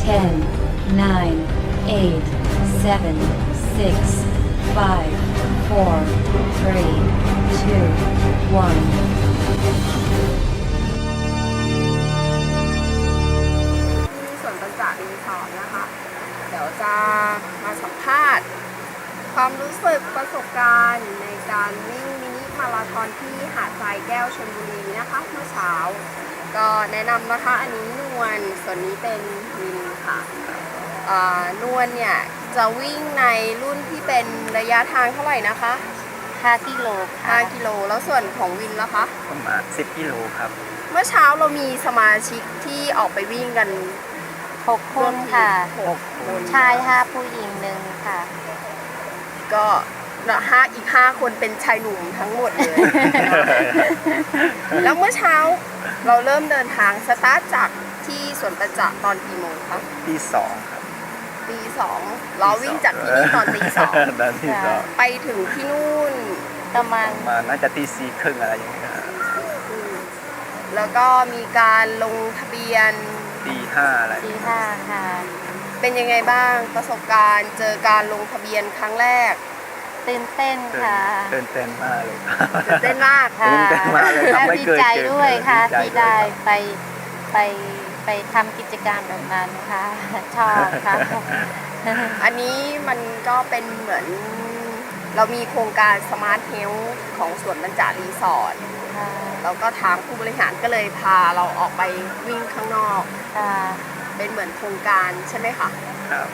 10, 9, 8, 7, 6, 5, 4, 3, 2, 1. ที่สวนปัญจรีสอร์ทนะคะ เดี๋ยวจะมาสัมภาษณ์ความรู้สึกประสบการณ์ในการวิ่งมินิมาราธอนที่หาดทรายแก้วชลบุรีนะคะเมื่อเช้า ก็แนะนำนะคะอันนี้นวลส่วนนี้เป็นวินค่ะนวลเนี่ยจะวิ่งในรุ่นที่เป็นระยะทางเท่าไหร่นะคะ 5 กิโลค่ะ 5 กิโลแล้วส่วนของวินล่ะคะประมาณ10 กิโลครับเมื่อเช้าเรามีสมาชิกที่ออกไปวิ่งกัน 6 คนค่ะ 6 คนชาย5 ผู้หญิง1ค่ะก็อีก 5 คนเป็นชายหนุ่มทั้งหมดเลย แล้วเมื่อเช้าเราเริ่มเดินทางสตาร์ทจากที่สวนประจักษ์ตอนกี่โมงคะตี2ครับตี 2เราวิ่งจากที่นี่ตอนตี 2 ตอนที่สองไปถึงที่นู่นประมาณน่าจะตี 4 ครึ่งอะไรอย่างเงี้ยแล้วก็มีการลงทะเบียนตี 5อะไรตี 5ค่ะเป็นยังไงบ้างประสบการณ์เจอการลงทะเบียนครั้งแรกตื่นเต้นค่ะตื่นเต้นมากเลยตื่นเต้นมากค่ะตื่นเต้นมากเลยและดีใจด้วยค่ะที่ได้ไปทำกิจกรรมแบบนั้นค่ะชอบค่ะอันนี้มันก็เป็นเหมือนเรามีโครงการ Smart Health ของสวนบรรจารีสอร์ทแล้วก็ทางผู้บริหารก็เลยพาเราออกไปวิ่งข้างนอกเป็นเหมือนโครงการใช่ไหมคะครับ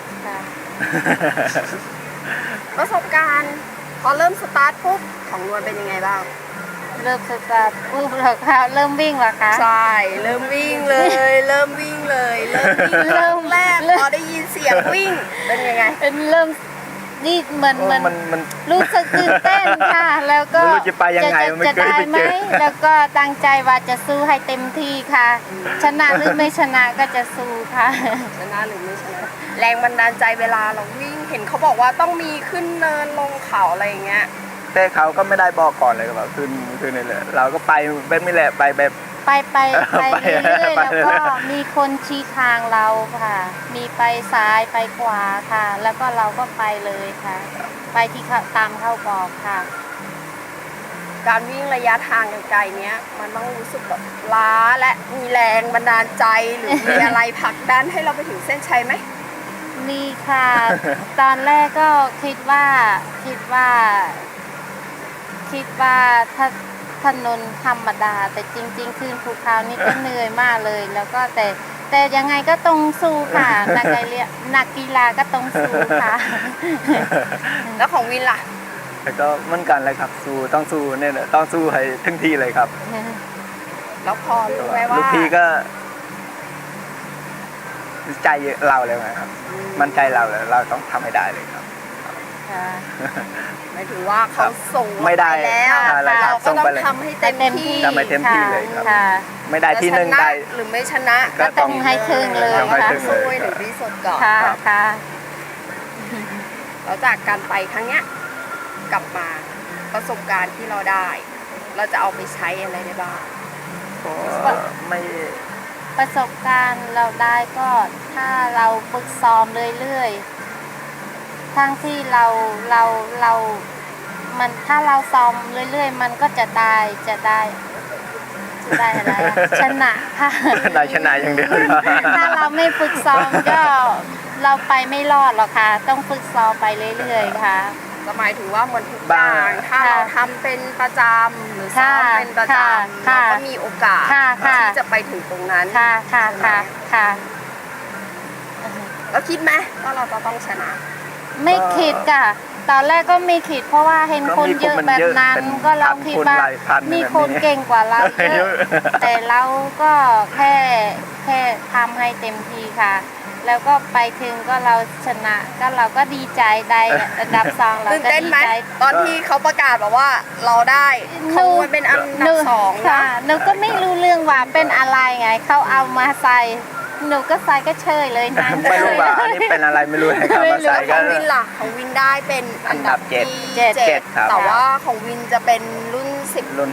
ประสบการณ์พอเริ่มสตาร์ทปุ๊บของนวลเป็นยังไงบ้างเริ่มสตาร์ทปุ๊บเหรอคะเริ่มวิ่งเหรอคะใช่เริ่มวิ่งเลยเริ่มวิ่งเลยเริ่มแรกพอได้ยินเสียงวิ่งเป็นยังไงเป็นเริ่มนี่มันรู้สึกตื่นเต้นค่ะแล้วก็จะได้ไหมแล้วก็ตั้งใจว่าจะสู้ให้เต็มที่ค่ะชนะหรือไม่ชนะก็จะสู้ค่ะชนะหรือไม่ชนะแรงบันดาลใจเวลาเราวิ่งเห็นเขาบอกว่าต้องมีขึ้นเนินลงเขาอะไรอย่างเงี้ยแต่เขาก็ไม่ได้บอกก่อนเลยว่าขึ้นนี่แหละเราก็ไปแบบนี้แหละไปแบบไปเรื่อยๆแล้วก็มีคนชี้ทางเราค่ะมีไปซ้ายไปขวาค่ะแล้วก็เราก็ไปเลยค่ะไปที่ตามเข้าบอกค่ะการวิ่งระยะทางไกลๆเนี้ยมันต้องรู้สึกแบบล้าและมีแรงบันดาลใจหรือมีอะไรผลักดันให้เราไปถึงเส้นชัยไหมมีค่ะตอนแรกก็คิดว่าถ้าถนนธรรมดาแต่จริงๆขึ้นภูเขานี่ก็เหนื่อยมากเลยแล้วก็แต่ยังไงก็ต้องสู้ค่ะนักกีฬาก็ต้องสู้ค่ะแล้วของวินล่ะแล้วก็เหมือนกันเลยครับต้องสู้เนี่ยต้องสู้ให้ถึงที่เลยครับแล้วพอรู้ไหมว่าลูกพี่ก็ใจเราเลยครับมันใจเราเลยเราต้องทำให้ได้เลยครับหมายถึงว่าเขาส่งไม่ได้แล้วเราก็ต้องทำให้เต็มที่เลยครับไม่ได้ที่หนึ่งได้หรือไม่ชนะก็ต้องให้ถึงเลยค่ะสู้ให้ถึงที่สุดก่อนค่ะแล้วจากการไปครั้งเนี้ยกลับมาประสบการณ์ที่เราได้เราจะเอาไปใช้อะไรได้บ้างไม่ประสบการณ์เราได้ก็ถ้าเราฝึกซ้อมเรื่อยๆทั้งที่เรามันถ้าเราซ้อมเรื่อยๆมันก็จะได้อะไรชนะค่ะได้ชนะอย่างเดียวถ้าเราไม่ฝึกซ้อมก็เราไปไม่รอดหรอกค่ะต้องฝึกซ้อมไปเรื่อยๆค่ะหมายถึงว่าเหมือนทุกอย่างถ้าเราทำเป็นประจำหรือซ้อมเป็นประจำเราก็มีโอกาสที่จะไปถึงตรงนั้นค่ะแล้วคิดไหมว่าเราจะต้องชนะไม่คิดค่ะตอนแรกก็ไม่คิดเพราะว่าเห็นคนเยอะแบบนั้นก็เราคิดว่ามีคนเก่งกว่าเราเยอะแต่เราก็แค่ทำให้เต็มที่ค่ะแล้วก็ไปถึงก็เราชนะก็เราก็ดีใจได้อันดับ2เราก็ดีใจตอนที่เขาประกาศบอกว่าเราได้เขาเป็นอันดับ2 ค่ะหนูก็ไม่รู้เรื่องว่าเป็นอะไรไงเขาเอามาใส่หนูก็ใส่ก็เชยเลยนะไม่รู้ว่าอันนี้เป็นอะไรไม่รู้นะครับมาใส่ก็ของวินล่ะของวินได้เป็นอันดับ7 ครับแต่ว่าของวินจะเป็นรุ่น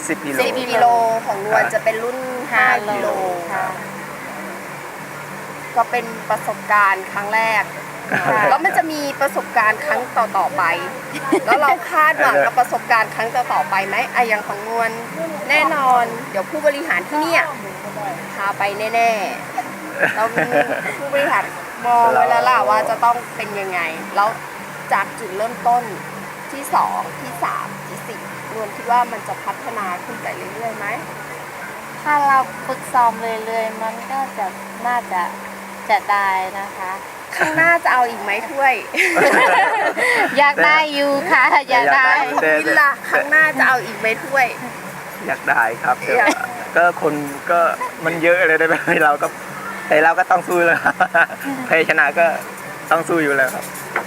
10 กิโลของนวลจะเป็นรุ่น5 กิโลก็เป็นประสบการณ์ครั้งแรก แล้วมันจะมีประสบการณ์ครั้งต่อๆไป แล้วเราคาดหวังกับประสบการณ์ครั้งต่อๆไปไหมอย่างของนวลแน่นอน เดี๋ยวผู้บริหารที่เนี่ยพาไปแน่ๆเราผู้บริหารมองไว้แล้วล่ะว่าจะต้องเป็นยังไง แล้วจากจุดเริ่มต้นที่2ที่3ที่4นวลคิดว่ามันจะพัฒนาขึ้นไปเรื่อยๆไหมถ้าเราฝึกซ้อมเรื่อยๆมันก็จะน่าจะได้นะคะข้างหน้าจะเอาอีกไหมถ้วยอยากได้อยู่ค่ะอยากได้ของวินล่ะข้างหน้าจะเอาอีกไหมถ้วยอยากได้ครับแต่อยากก็คนก็มันเยอะเลยได้ไหมเราก็แต่เราก็ต้องสู้แล้วครับ แพ้ชนะก็ต้องสู้อยู่แล้วครับ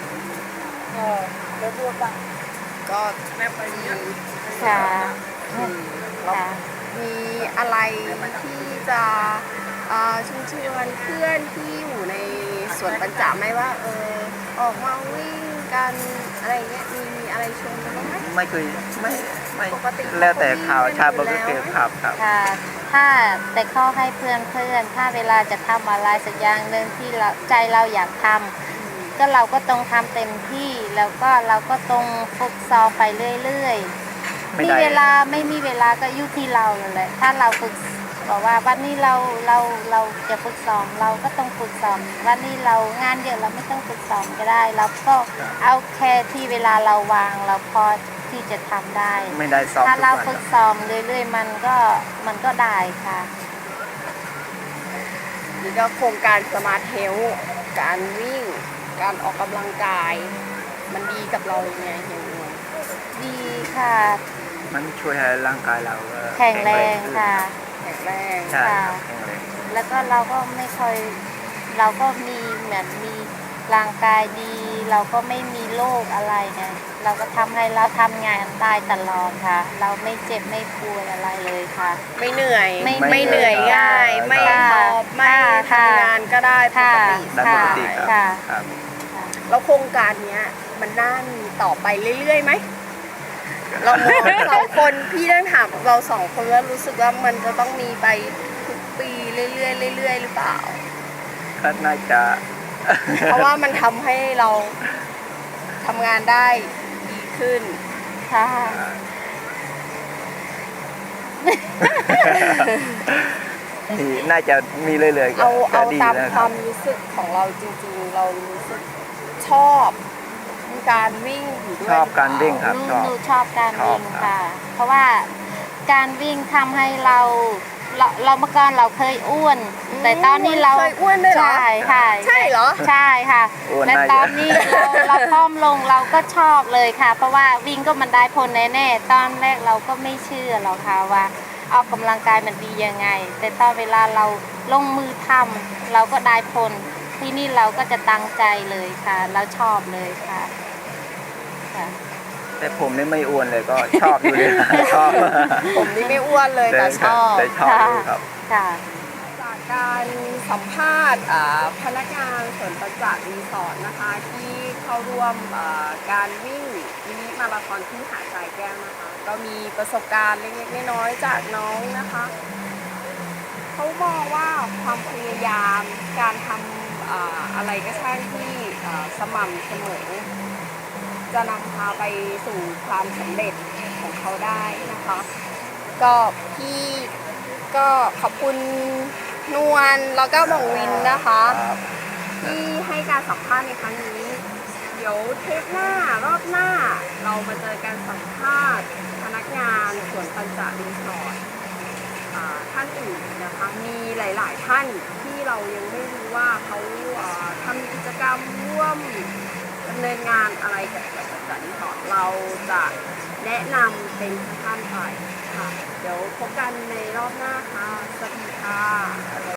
ก็แม่ปรีค่ะค่ะมีอะไรที่จะเชิญชวนเพื่อนที่อยู่ในสวนปัญจาไหมว่าออกมาวิ่งกันอะไรเงี้ยมีอะไรชวนกันบ้างไหมไม่เคยไม่ปกติแล้วแต่ข่าวชาบอยู่ก็แล้วเกิดครับครับค่ะถ้าแต่ข้อให้เพื่อนถ้าเวลาจะทำอะไรสักอย่างหนึ่งที่เราใจเราอยากทำก็เราก็ต้องทำเต็มที่แล้วก็เราก็ต้องฝึกซ้อมไปเรื่อยๆไม่มีได้เวลาไม่มีเวลาก็อยู่ที่เรานั่นแหละถ้าเราฝึกบอกว่าวันนี้เราจะฝึกซ้อมเราก็ต้องฝึกซ้อมวันนี้เรางานเยอะเราไม่ต้องฝึกซ้อมก็ได้เราก็เอาแค่ที่เวลาเราวางเราพอที่จะทำได้ไม่ได้ซ้อมถ้าทุกเราวันฝึกซ้อมเรื่อยๆมันก็ได้ค่ะนี่ก็โครงการสมาร์ทเฮลท์การวิ่ง การออกกำลังกาย มันดีกับเรายังไงเฮียนวลดีค่ะมันช่วยให้ร่างกายเราแข็งแรงขึ้นค่ะแข็งแรงใช่ครับแข็งแรงแล้วก็เราก็ไม่ค่อยเราก็มีเหมือนมีร่างกายดี เราก็ไม่มีโรคอะไรไงเราก็ทำให้เราทำงานได้ตลอดค่ะ เราไม่เจ็บไม่ป่วยอะไรเลยค่ะไม่เหนื่อยไม่เหนื่อยง่าย ไม่ค่ะหอบไม่ค่ะทำงานก็ได้ปค่ะกติได้ปกติครับค่ะครับแล้วโครงการเนี้ยมันน่ามีต่อไปเรื่อยๆไหม เรามองสองคนพี่ต้องถามเราสองคนแล้วรู้สึกว่ามันจะต้องมีไปทุกปีเรื่อยๆเรื่อยๆหรือเปล่าก็น่าจะเพราะว่ามันทำให้เราทำงานได้ดีขึ้นค่ะน่าจะมีเรื่อยๆก็เอาดีตามนะคครัวาบมรู้สึกของเราจริงๆ เรารู้สึกชอบการวิ่งอยู่ด้วยชอบการวิ่งครับหนูชอบการวิ่งชอบครับค่ะ เพราะว่าการวิ่งทำให้เราเมื่อก่อนเราเคยอ้วน แต่ตอนนี้เราเคยอ้วนด้วยเหรอใช่ค่ะใช่เหรอใช่ค่ะอ้วนและได้ตอนนี้เราพร้อมลงเราก็ชอบเลยค่ะ เพราะว่าวิ่งก็มันได้ผลแน่ๆตอนแรกเราก็ไม่เชื่อหรอกค่ะว่าออกกำลังกายมันดียังไง แต่ตอนเวลาเราลงมือทำเราก็ได้ผลที่นี่เราก็จะตั้งใจเลยค่ะ เราชอบเลยค่ะค่ะแต่ผมนี่ไม่อ้วนเลยก็ชอบอยู่เลยชอบผมนี่ไม่อ้วนเลยแต่ชอบแต่ชอบอยู่ครับค่ะจากการสัมภาษณ์พนักงานสวนประจักษ์รีสอร์ทนะคะที่เข้าร่วมการวิ่งมินิมาราธอนที่หาดทรายแก้วนะคะ ก็มีประสบการณ์เล็กๆน้อยๆจากน้องนะคะเขามองว่าความพยายามการทำอะไรก็ช่างที่สม่ำเสมอจะนำพาไปสู่ความสำเร็จของเขาได้นะคะ ก็พี่ก็ขอบคุณนวลแล้วก็หม่องวินนะคะครับที่ให้การสัมภาษณ์ในครั้งนี้ เดี๋ยวเทปหน้ารอบหน้าเรามาเจอการสัมภาษณ์พนักงานสวนปัญจรีสอร์ทท่านอื่นนะคะมีหลาย ๆ ท่านที่เรายังไม่รู้ว่าเขาทำกิจกรรมร่วมดำเนินงานอะไรกับสวนปัญจรีสอร์ทเราจะแนะนำเป็นท่านไปค่ะ เดี๋ยวพบกันในรอบหน้าค่ะ สวัสดีค่ะ